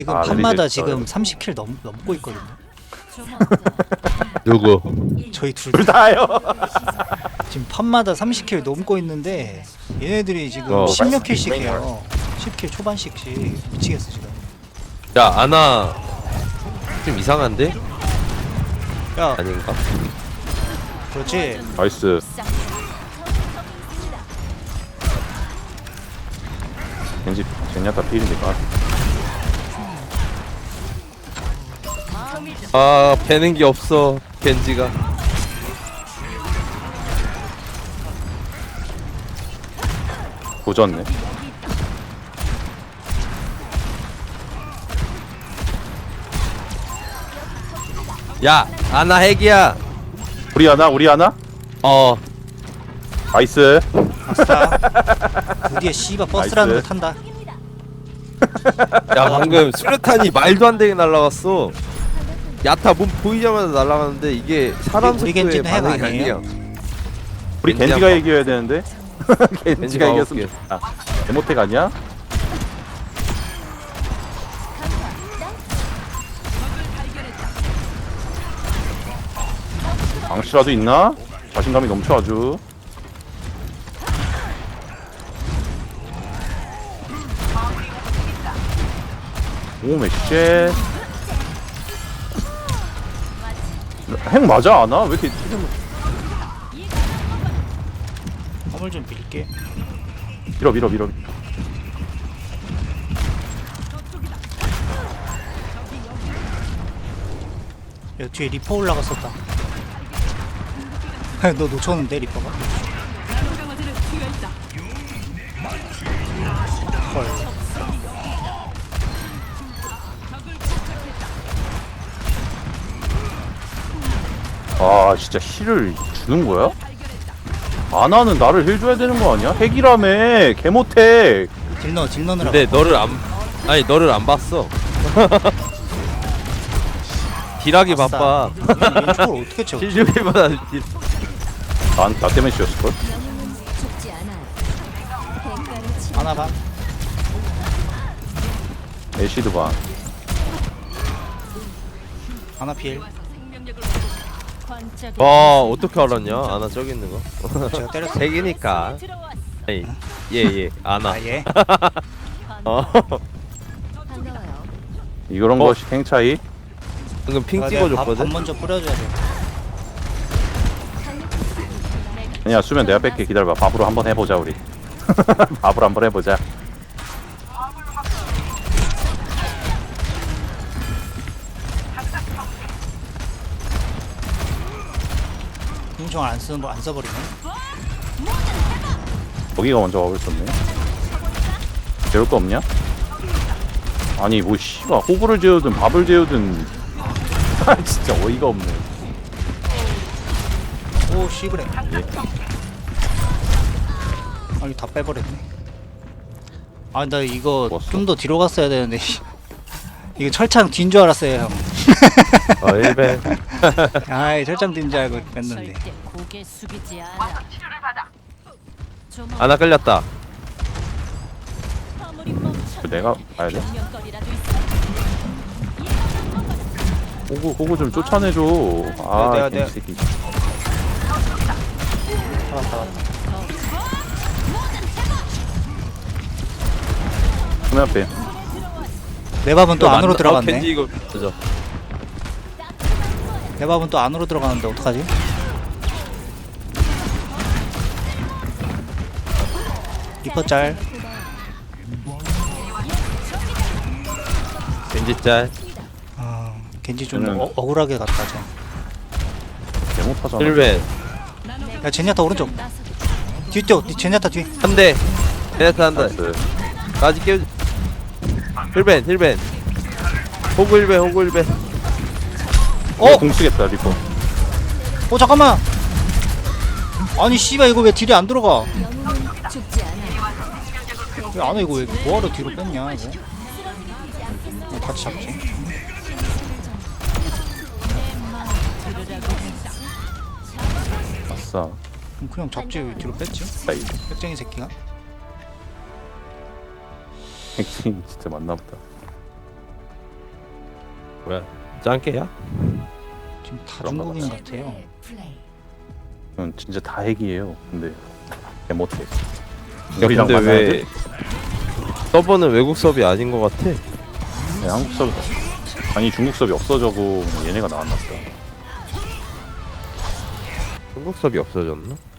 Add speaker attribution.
Speaker 1: 지금
Speaker 2: 아,
Speaker 1: 판마다
Speaker 2: 랠리
Speaker 1: 지금 30킬 넘고 있거든요.
Speaker 3: 누구?
Speaker 1: 저희 둘
Speaker 2: 둘 다요.
Speaker 1: 지금 판마다 30킬 넘고 있는데 얘네들이 지금
Speaker 2: 어,
Speaker 1: 10몇 킬씩 해요. 10킬 초반씩씩 미치겠어 지금.
Speaker 3: 야 아나 좀 이상한데?
Speaker 1: 야
Speaker 3: 아닌가?
Speaker 1: 그렇지.
Speaker 2: 나이스. 겐지 젠야타 필이니까.
Speaker 3: 아 배는 게 없어 겐지가.
Speaker 2: 도졌네.
Speaker 3: 야 아나 핵이야.
Speaker 2: 우리 하나 우리 하나.
Speaker 3: 어
Speaker 2: 나이스.
Speaker 1: 아싸. 드디어 씨바 버스라는 걸
Speaker 2: 나이스.
Speaker 1: 탄다.
Speaker 3: 야 방금 수류탄이 말도 안 되게 날라갔어. 야타 몸 보이자마자 날아가는데 이게 사람
Speaker 1: 우리
Speaker 3: 속도의
Speaker 1: 겐지는 핵
Speaker 3: 반응이
Speaker 1: 아니에요?
Speaker 3: 아니야.
Speaker 2: 우리
Speaker 3: 겐지
Speaker 2: 겐지가
Speaker 3: 한
Speaker 2: 이겨야 되는데. 겐지가 이겼으면 좋겠다. 데모텍 아니야? 방치라도 있나? 자신감이 넘쳐 아주. 오 맥쉐. 핵 맞아 않아? 왜 이렇게 튀는
Speaker 1: 화물 좀 빌게.
Speaker 2: 밀어.
Speaker 1: 야 뒤에 리퍼 올라갔었다. 너 놓쳤는데 리퍼가? 헐.
Speaker 2: 아 진짜 힐을 주는 거야? 아나는 나를 힐 줘야 되는 거 아니야? 핵이라며 개모택.
Speaker 1: 딜 넣느라고.
Speaker 3: 근데 너를 안 봤어. 딜하기
Speaker 1: 아싸.
Speaker 3: 바빠.
Speaker 1: 왼쪽을 어떻게 채워?
Speaker 3: 딜 주기보다 딜.
Speaker 2: 나 때문에 씌웠을걸?
Speaker 1: 하나 반.
Speaker 2: 애쉬드 반.
Speaker 1: 하나 필.
Speaker 3: 와 어떻게 알았냐? 아나 저기 있는 거.
Speaker 1: 제가 때렸어.
Speaker 3: 핵이니까. 아니 예 아나.
Speaker 1: 아 예.
Speaker 3: 어
Speaker 2: 이런 것이 탱 차이.
Speaker 3: 방금 핑
Speaker 1: 밥
Speaker 3: 찍어줬거든.
Speaker 1: 먼저 뿌려줘야 돼.
Speaker 2: 아니야 수면 내가 뺄게. 기다려봐. 밥으로 한번 해보자 우리. 밥으로 한번 해보자.
Speaker 1: 공정 안 써버리네.
Speaker 2: 거기가 먼저 와볼 었네. 재울 거 없냐? 아니 뭐 씨가 호구를 재우든 밥을 재우든. 아 진짜 어이가 없네.
Speaker 1: 오 씨브레.
Speaker 2: 예.
Speaker 1: 아니 다 빼버렸네. 아 나 이거
Speaker 2: 먹었어?
Speaker 1: 좀 더 뒤로 갔어야 되는데. 이거 철창 뒤인 줄 알았어요 형.
Speaker 3: 일배.
Speaker 1: 아이 철창 뒤인 줄 알고 뺐는데.
Speaker 4: 절대 고개 숙이지 않아.
Speaker 3: 아나 끌렸다.
Speaker 4: 아무리 멈춰도
Speaker 2: 내가 봐야 돼?
Speaker 4: 명령거리라도 있어.
Speaker 2: 호구 좀 쫓아내줘. 아
Speaker 1: 내가-
Speaker 2: 이 새끼.
Speaker 1: 잡았다.
Speaker 2: 수면 앞에.
Speaker 1: 내 밥은 또 안으로 들어갔네.
Speaker 3: 겐지 이거 그죠.
Speaker 1: 내 밥은 또 안으로 들어가는데 어떡하지? 리퍼 짤.
Speaker 3: 겐지 짤.
Speaker 1: 아 겐지 좀
Speaker 2: 저는-
Speaker 1: 억울하게 갔다 저.
Speaker 2: 개못하잖아.
Speaker 3: 힐벤
Speaker 1: 야 제냐타 오른쪽. 뒤 뛰어. 제냐타 뒤.
Speaker 3: 한 대. 베네타 한 대.
Speaker 2: 나이스.
Speaker 3: 까지 깨우. 힐벤. 호구 힐벤.
Speaker 2: 공 쓰겠다 리퍼.
Speaker 1: 잠깐만. 아니 씨발 이거 왜 딜이 안 들어가?
Speaker 4: 죽지 않아.
Speaker 1: 왜 안 해 이거 왜 뭐하러 뒤로 뺐냐 이거? 같이 잡지.
Speaker 2: 아싸.
Speaker 1: 그냥 잡지 왜 뒤로 뺐지?
Speaker 2: 아이
Speaker 1: 백쟁이 새끼가.
Speaker 2: 핵심 진짜 맞나보다.
Speaker 3: 뭐야 짱깨야?
Speaker 1: 지금 다
Speaker 2: 그런가
Speaker 1: 중국인 같아요.
Speaker 2: 이건 진짜 다 핵이에요. 근데 개 못해.
Speaker 3: 야
Speaker 2: 우리랑
Speaker 3: 근데
Speaker 2: 만나야
Speaker 3: 왜
Speaker 2: 돼?
Speaker 3: 서버는 외국 서버이 아닌 것 같아?
Speaker 2: 네, 한국 서버 아니 중국 서버이 없어져고 얘네가 나왔나 보다.
Speaker 3: 중국 서버이 없어졌나?